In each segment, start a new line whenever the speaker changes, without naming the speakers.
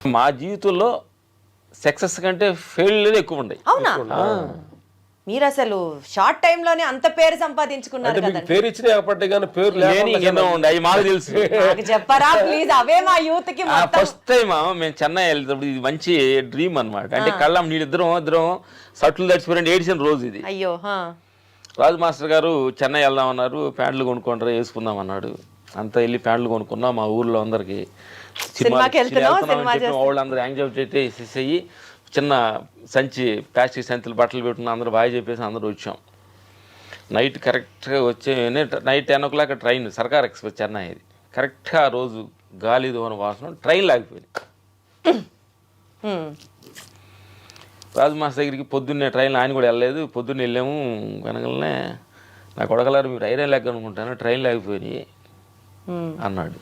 మా జీవితంలో సక్సెస్ కంటే ఫెయిల్యూర్ ఎక్కువ ఉన్నాయి.
అవునా? మీరు అసలు షార్ట్ టైమ్ లోనే అంత పేరు సంపాదించుకున్నారు
అంటే మీకు పేరు ఇచ్చినా ఏర్పడ్డాయి కానీ పేరు
లేని ఉండే అవి మాకు తెలుసు.
నాకు చెప్పరా ప్లీజ్, అవే మా యూత్ కి
ఫస్ట్ టైం మేము చెన్నై వెళ్తేప్పుడు ఇది మంచి డ్రీమ్ అన్నమాట. అంటే కళ్ళం ఇద్దరం సట్లు తడిచిపోయిన ఏడిసిన రోజు ఇది.
అయ్యో.
రాజు మాస్టర్ గారు చెన్నై వెళ్దామన్నారు, ప్యాంట్లు కొనుక్కుంటారా వేసుకుందాం అన్నాడు. అంతా వెళ్ళి ప్యాంట్లు కొనుక్కున్నాం. మా ఊర్లో అందరికి వాళ్ళందరూ యాంగ్జైటీ వేసేసి చిన్న సంచి ప్లాస్టిక్ సంచులు బట్టలు పెట్టుకున్న అందరూ బాగా చెప్పేసి అందరూ వచ్చాం. నైట్ కరెక్ట్గా వచ్చే night 10 o'clock train Circar express Chennai. ఇది కరెక్ట్గా ఆ రోజు గాలి దోన వాసన ట్రైన్ లాగిపోయింది. రాజు మాస్టర్ దగ్గరికి పొద్దున్నే ట్రైన్ ఆయన కూడా వెళ్ళలేదు. పొద్దున్నే వెళ్ళాము. వెనకలనే నా కొడకలారు మీరు ఐరన్ లెక్క అనుకుంటాను ట్రైన్ లాగిపోయి అన్నాడు.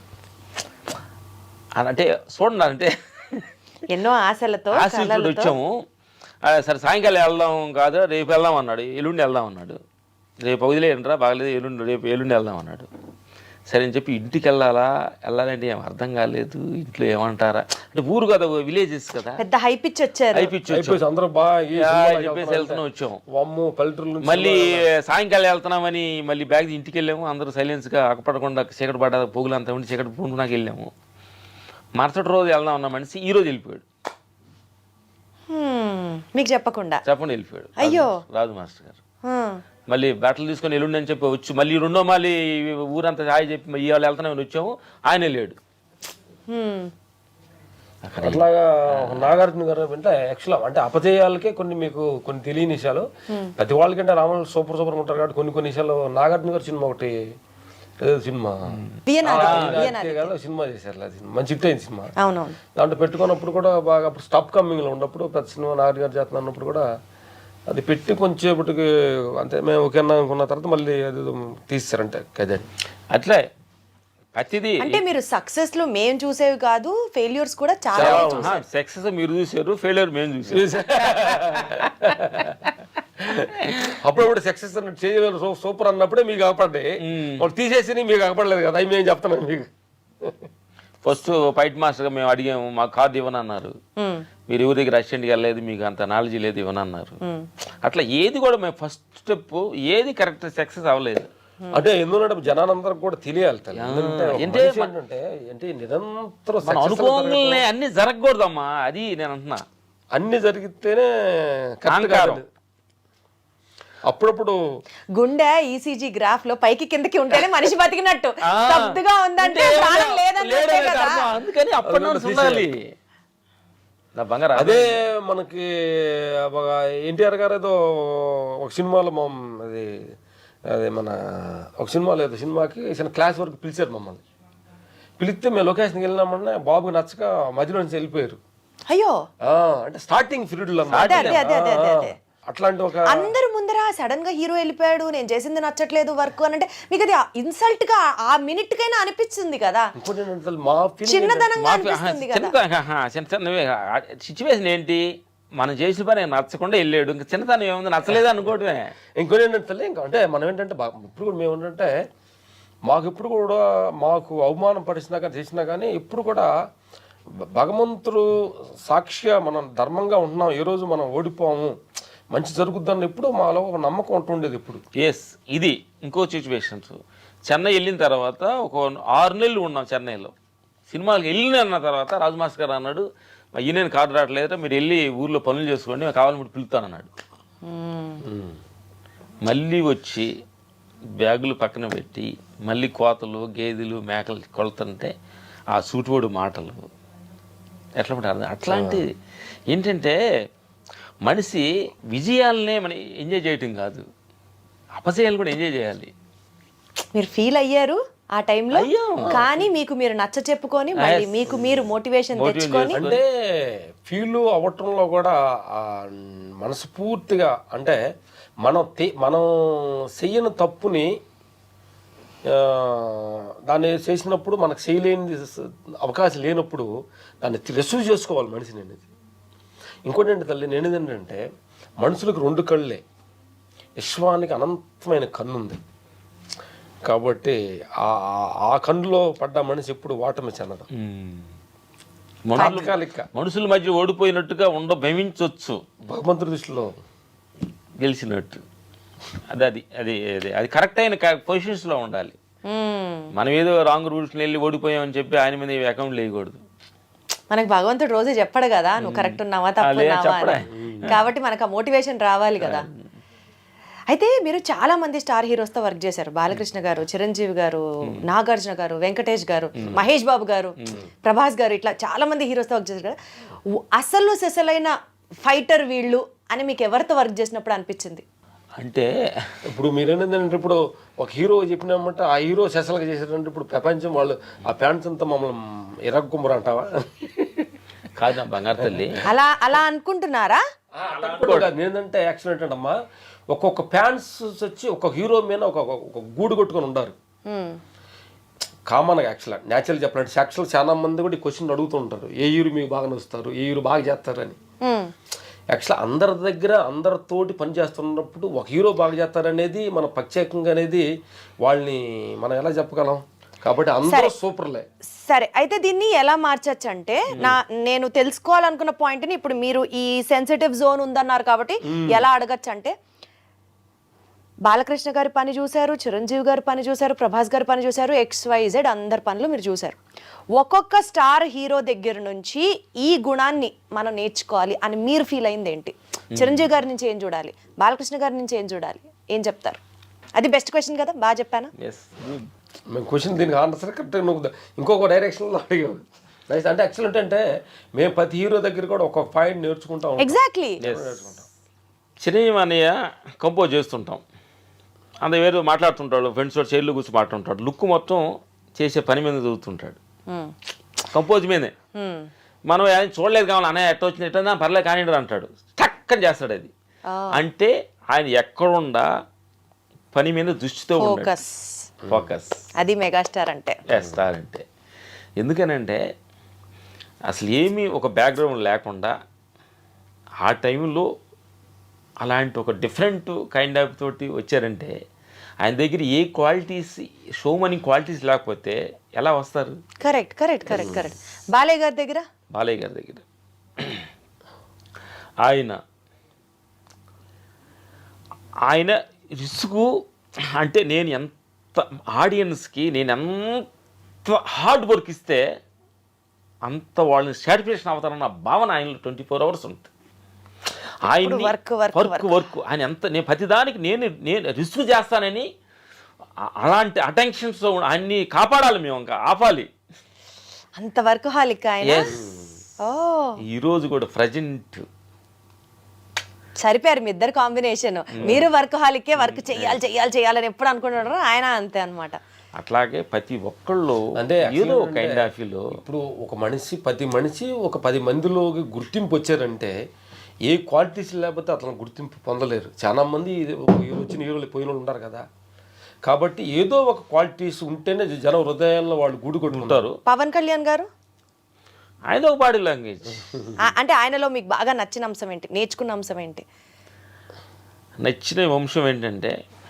అంటే చూడండి, అంటే
ఎన్నో ఆశలతో
వచ్చాము. సరే సాయంకాలం వెళ్దాం కాదు, రేపు వెళ్దాం అన్నాడు. ఎల్లుండి వెళ్దాం అన్నాడు. రేపు వదిలేయండిరా బాగలేదు, రేపు ఎల్లుండి వెళ్దాం అన్నాడు. సరే అని చెప్పి ఇంటికి వెళ్ళాలంటే ఏం అర్థం కాలేదు. ఇంట్లో ఏమంటారా అంటే ఊరు కదా, విలేజెస్ కదా,
పెద్ద హైపిచ్ వచ్చారు.
చెప్పేసి వెళ్తున్నాం వచ్చాము. మళ్ళీ సాయంకాలం వెళ్తున్నామని మళ్ళీ బ్యాగ్ ఇంటికి వెళ్ళాము. అందరూ సైలెన్స్గా అక్కపడకుండా చీకటి పడ్డ పొగులు అంతా ఉండి చీకటి పూనుకున్నాక వెళ్ళాము. మరుసటి రోజు వెళ్దాం అన్న మనిషి ఈ రోజు వెళ్ళిపోయాడు.
మీకు చెప్పకుండా
వెళ్ళిపోయాడు.
అయ్యో.
రాజు మాస్టర్ గారు మళ్ళీ బట్టలు తీసుకొని ఎల్లుండి అని చెప్పి వచ్చి మళ్ళీ మళ్ళీ ఊరంతా హాయి చెప్పి ఇవాళ వెళ్తానని వచ్చాము. ఆయన లేడు.
అట్లాగా నాగార్జున గారు అంటే యాక్చువల్ అంటే అపజయాలకే కొన్ని కొన్ని తెలియని విషయాలు. ప్రతి వాళ్ళకంటే రాములు సూపర్ ఉంటారు కాబట్టి కొన్ని విషయాలు. నాగార్జున గారు సినిమా ఒకటి సినిమా సినిమా చేశారు, మంచి హిట్ అయింది సినిమా. దాంట్లో పెట్టుకున్నప్పుడు కూడా బాగా అప్పుడు స్టాప్ కమ్మింగ్ లో ఉన్నప్పుడు పెద్ద సినిమా నాగార్జున గారు చేస్తున్నా అన్నప్పుడు కూడా అది పెట్టి కొంచెంసేపటికి అంతే మేము ఓకే అనుకున్న తర్వాత మళ్ళీ అది తీస్తారంటే కదండి.
అట్లే ప్రతిదీ
అంటే మీరు సక్సెస్ లో మేము చూసేవి కాదు, ఫెయిల్యూర్స్ కూడా చాలా.
సక్సెస్ మీరు చూసారు, ఫెయిల్యూర్ మేము చూసారు.
అప్పుడప్పుడు సక్సెస్ చేయలేదు సూపర్ అన్నప్పుడే మీకు అగపడ్డాయి. వాళ్ళు తీసేసి మీకు అగపడలేదు కదా, అవి మేము చెప్తున్నాం మీకు.
ఫస్ట్ ఫైట్ మాస్టర్గా మేము అడిగాము, మాకు కార్డు ఇవ్వనన్నారు. మీరు ఎవరి దగ్గర అసిస్టెంట్కి వెళ్ళలేదు, మీకు అంత నాలెడ్జ్ లేదు, ఇవ్వనన్నారు. అట్లా ఏది కూడా మేము ఫస్ట్ స్టెప్ ఏది కరెక్ట్ సక్సెస్ అవ్వలేదు.
అంటే ఎందుకంటే జనానందరికి కూడా తెలియాలి అంటే నిరంతరం
అనుకోగానే అన్ని జరగకూడదమ్మా. అది నేను అంటున్నా,
అన్ని జరిగితేనే అప్పుడప్పుడు
గుండె ఈసీజీ గ్రాఫ్ లో పైకి కిందకి ఉంటేనే మనిషి బతికినట్టు. స్తబ్దుగా ఉందంటే ప్రాణం లేదన్నట్టే కదా.
అందుకని అప్పటి
అదే మనకి ఎన్టీఆర్ గారు ఏదో ఒక సినిమాలో అదే మన ఒక సినిమాలో ఏదో సినిమాకి క్లాస్ వరకు పిలిచారు మమ్మల్ని. పిలిస్తే మేము లొకేషన్కి వెళ్ళినామన్నా బాబుకి నచ్చక మధ్యలో నుంచి వెళ్ళిపోయారు.
అయ్యో.
అంటే స్టార్టింగ్ పీరియడ్ లో అట్లాంటి ఒక
అందరు ముందర సడన్ గా హీరో వెళ్ళిపోయాడు, నేను చేసింది నచ్చట్లేదు వర్క్ అని అంటే మీకు అది ఇన్సల్ట్ గా ఆ మినిట్ కైనా అనిపించింది కదా, చిన్నదనంగా అనిపిస్తుంది కదా.
సిచ్యువేషన్ ఏంటి, మనం చేసిన పని నచ్చకుండా వెళ్ళాడు, ఇంకా చిన్నతనం ఏముంది, నచ్చలేదు అనుకోవటమే.
ఇంకోటి ఏంటంటే ఇంకా అంటే మనం ఏంటంటే ఇప్పుడు కూడా మేము ఏంటంటే ఎప్పుడు కూడా మాకు అవమానం పరిచినా కానీ చేసినా కానీ ఎప్పుడు కూడా భగవంతుడు సాక్షిగా మనం ధర్మంగా ఉంటున్నాం, ఏ రోజు మనం ఓడిపోము, మంచి జరుగుద్దని ఎప్పుడు మాలో ఒక నమ్మకం ఉంటుండేది ఇప్పుడు.
ఇది ఇంకో సిచ్యువేషన్స్. చెన్నై వెళ్ళిన తర్వాత ఒక 6 నెలలు ఉన్నాం చెన్నైలో. సినిమాకి వెళ్ళిన తర్వాత రాజు మాస్టర్ గారు అన్నాడు, ఈయన కార్డు రావట్లేదు, మీరు వెళ్ళి ఊర్లో పనులు చేసుకోండి, కావాలని మీరు పిలుస్తానన్నాడు. మళ్ళీ వచ్చి బ్యాగులు పక్కన పెట్టి మళ్ళీ కోతలు గేదెలు మేకలు కొలుతుంటే ఆ సూటిపోడు మాటలు ఎట్లా ఉంటుంది. అట్లాంటిది ఏంటంటే మనిషి విజయాలనే మనం ఎంజాయ్ చేయటం కాదు, అపజయాలు కూడా ఎంజాయ్ చేయాలి.
మీరు ఫీల్ అయ్యారు ఆ టైంలో, కానీ మీకు మీరు నచ్చ చెప్పుకొని మళ్ళీ మీకు మీరు మోటివేషన్ తెచ్చుకొని
అంటే ఫీల్ అవ్వటంలో కూడా మనస్ఫూర్తిగా అంటే మనం చెయ్యని తప్పుని దాన్ని చేసినప్పుడు మనకు చేయలేని అవకాశం లేనప్పుడు దాన్ని రిసీవ్ చేసుకోవాలి మనిషిని అనేది. ఇంకోటి ఏంటి తల్లి, నేను ఏంటంటే మనుషులకు 2 కళ్ళే, విశ్వానికి అనంతమైన కన్ను ఉంది కాబట్టి ఆ కన్నులో పడ్డ మనిషి ఎప్పుడు ఓటమి చెందడం.
మనుషుల మధ్య ఓడిపోయినట్టుగా భ్రమించవచ్చు
భగవంతుడి దృష్టిలో
గెలిచినట్టు. అది కరెక్ట్ అయిన పొజిషన్స్లో ఉండాలి. మనం ఏదో రాంగ్ రూల్స్ని వెళ్ళి ఓడిపోయామని చెప్పి ఆయన మీద అకౌంట్ వేయకూడదు.
మనకు భగవంతుడు రోజు చెప్పడు కదా నువ్వు కరెక్ట్ ఉన్నావా తప్పున్నావా అని. కాబట్టి మనకు ఆ మోటివేషన్ రావాలి కదా. అయితే మీరు చాలా మంది స్టార్ హీరోస్తో వర్క్ చేశారు. బాలకృష్ణ గారు, చిరంజీవి గారు, నాగార్జున గారు, వెంకటేష్ గారు, మహేష్ బాబు గారు, ప్రభాస్ గారు, ఇట్లా చాలా మంది హీరోస్తో వర్క్ చేశారు కదా. అసలైన ఫైటర్ వీళ్ళు అని మీకు ఎవరితో వర్క్ చేసినప్పుడు అనిపించింది?
అంటే ఇప్పుడు మీరేంటంటే ఇప్పుడు ఒక హీరో చెప్పినామంటే ఆ హీరో సెసలుగా చేశారంటే ఇప్పుడు ప్రపంచం వాళ్ళు ఆ ఫ్యాన్స్ అంతా మమ్మల్ని ఇరగ్గుమ్మరు అంటావా?
కాదు నా బంగారు తల్లి,
అలా అనుకుంటున్నారా?
ఏంటంటే యాక్చువల్ ఏంటంటమ్మా, ఒక్కొక్క ఫ్యాన్స్ వచ్చి ఒక హీరో మీద ఒక గూడు కొట్టుకొని ఉండారు కామన్గా. యాక్చువల్గా న్యాచురల్ చెప్పాలంటే యాక్చువల్ చాలా మంది కూడా ఈ క్వశ్చన్ అడుగుతూ ఉంటారు, ఏ హీరో మీకు బాగా నచ్చుతారు, ఏ హీరో బాగా చేస్తారని. యాక్చువల్ అందరి దగ్గర అందరితోటి పని చేస్తున్నప్పుడు ఒక హీరో బాగా చేస్తారనేది మన ప్రత్యేకంగా అనేది వాళ్ళని మనం ఎలా చెప్పగలం? కాబట్టి అందరూ సూపర్లే.
సరే, అయితే దీన్ని ఎలా మార్చచ్చు అంటే నేను తెలుసుకోవాలనుకున్న పాయింట్ని ఇప్పుడు మీరు ఈ సెన్సిటివ్ జోన్ ఉందన్నారు కాబట్టి ఎలా అడగచ్చు అంటే, బాలకృష్ణ గారి పని చూశారు, చిరంజీవి గారి పని చూశారు, ప్రభాస్ గారి పని చూశారు, XYZ అందరి పనులు మీరు చూశారు. ఒక్కొక్క స్టార్ హీరో దగ్గర నుంచి ఈ గుణాన్ని మనం నేర్చుకోవాలి అని మీరు ఫీల్ అయింది ఏంటి? చిరంజీవి గారి నుంచి ఏం చూడాలి, బాలకృష్ణ గారి నుంచి ఏం చూడాలి, ఏం చెప్తారు? అది బెస్ట్ క్వశ్చన్ కదా, బాగా చెప్పానా?
మేము క్వశ్చన్ దీనికి ఆన్సర్ కరెక్ట్ నువ్వు ఇంకొక డైరెక్షన్లో అడిగావు. అంటే యాక్చువల్ ఏంటంటే మేము ప్రతి హీరో దగ్గర కూడా ఒక్కొక్క పాయింట్ నేర్చుకుంటాం.
ఎగ్జాక్ట్లీ.
చిరంజీవి అన్నయ్య కంపోజ్ చేస్తుంటాం, అంత వేరే మాట్లాడుతుంటాడు, ఫ్రెండ్స్ తోటి చైర్లో కూర్చొని మాట్లాడుతుంటాడు, లుక్ మొత్తం చేసే పని మీద చదువుతుంటాడు, కంపోజ్ మీదే. మనం ఆయన చూడలేదు కావాలి, అన్నయ్య ఎట్ట వచ్చింది ఎట్లా పర్లేదు కానీ అంటాడు, టక్కని చేస్తాడు. అది అంటే ఆయన ఎక్కడుండా పని మీద దృష్టితో ఫోకస్.
అది మెగాస్టార్ అంటే.
స్టార్ అంటే ఎందుకనంటే అసలు ఏమీ ఒక బ్యాక్గ్రౌండ్ లేకుండా ఆ టైంలో అలాంటి ఒక డిఫరెంట్ కైండ్ ఆఫ్ తోటి వచ్చారంటే ఆయన దగ్గర ఏ క్వాలిటీస్, షో మనీ క్వాలిటీస్ లేకపోతే ఎలా వస్తారు?
Correct correct correct correct. Balayya గారి దగ్గర
ఆయన రిస్కు అంటే నేను ఎంత ఆడియన్స్కి నేను ఎంత హార్డ్ వర్క్ ఇస్తే అంత వాళ్ళని సాటిస్ఫాక్షన్ అవుతారన్న భావన ఆయనలో 24 hours ఉంటుంది. ఆయన వర్క్ ఆయన ఎంత నేను ప్రతిదానికి నేను రిస్క్ చేస్తానని అలాంటి అటెన్షన్స్ ఆయన్ని కాపాడాలి, మేము ఇంకా ఆపాలి.
అంత వర్క్ హాలిక్ ఆయన.
ఈరోజు కూడా ప్రజెంట్
సరిపోయారు మీ ఇద్దరు కాంబినేషన్. మీరు వర్క్ హాలికే, వర్క్ చెయ్యాలని ఎప్పుడు అనుకుంటున్నారో ఆయన అంతే అనమాట.
అట్లాగే ప్రతి ఒక్కళ్ళు
అంటే
ఏదో కైండ్ ఆఫ్
ఇప్పుడు ఒక మనిషి ప్రతి మనిషి ఒక 10 మందిలోకి గుర్తింపు వచ్చారంటే ఏ క్వాలిటీస్ లేకపోతే అతను గుర్తింపు పొందలేరు. చాలా మంది వచ్చిన హీరోలు పోయిన వాళ్ళు ఉంటారు కదా, కాబట్టి ఏదో ఒక క్వాలిటీస్ ఉంటేనే జన హృదయాల్లో వాళ్ళు గూడు కొట్టుకుంటారు.
పవన్ కళ్యాణ్ గారు
ఆయన ఒక బాడీ లాంగ్వేజ్
అంటే ఆయనలో మీకు బాగా నచ్చిన అంశం ఏంటి, నేర్చుకున్న అంశం ఏంటి?
నచ్చిన అంశం ఏంటంటే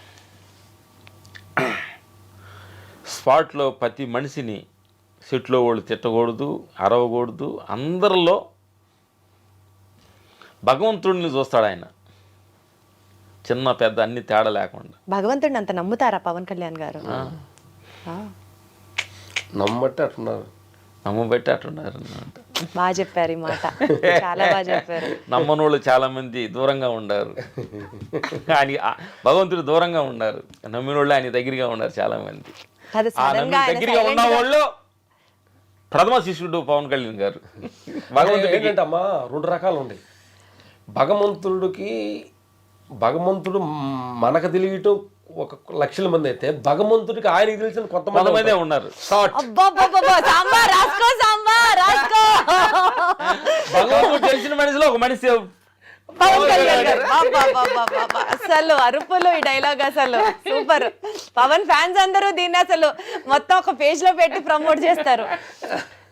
స్పాట్లో ప్రతి మనిషిని సెట్లో వాళ్ళు తిట్టకూడదు, అరవకూడదు, అందరిలో భగవంతుడిని చూస్తాడు ఆయన, చిన్న పెద్ద అన్ని తేడా లేకుండా.
భగవంతుడిని అంత నమ్ముతారా పవన్ కళ్యాణ్ గారు?
నమ్మబట్టి అట్టున్నారు
అన్నమాట.
బాగా చెప్పారు ఈ మాట, చాలా బాగా చెప్పారు.
నమ్మనోళ్ళు చాలా మంది దూరంగా ఉండారు, ఆయన భగవంతుడు దూరంగా ఉన్నారు, నమ్మినోళ్ళు ఆయన దగ్గరగా ఉన్నారు చాలా మంది. దగ్గరగా ఉన్న వాళ్ళు ప్రథమ శిష్యుడు పవన్ కళ్యాణ్ గారు.
భగవంతుడు ఏంటంటమ్మా 2 రకాలు ఉన్నాయి. భగవంతుడు మనకు తెలియటం 1,00,000 మంది అయితే భగవంతుడికి ఆయనకి తెలిసిన కొంతమంది
ఉన్నారు. భగవంతుడు తెలిసిన మనిషిలో ఒక మనిషి
పవన్ కళ్యాణ్ గారు. అసలు అరుపులు ఈ డైలాగ్ అసలు సూపర్. పవన్ ఫ్యాన్స్ అందరూ దీన్ని అసలు మొత్తం ఒక పేజ్ లో పెట్టి ప్రమోట్ చేస్తారు.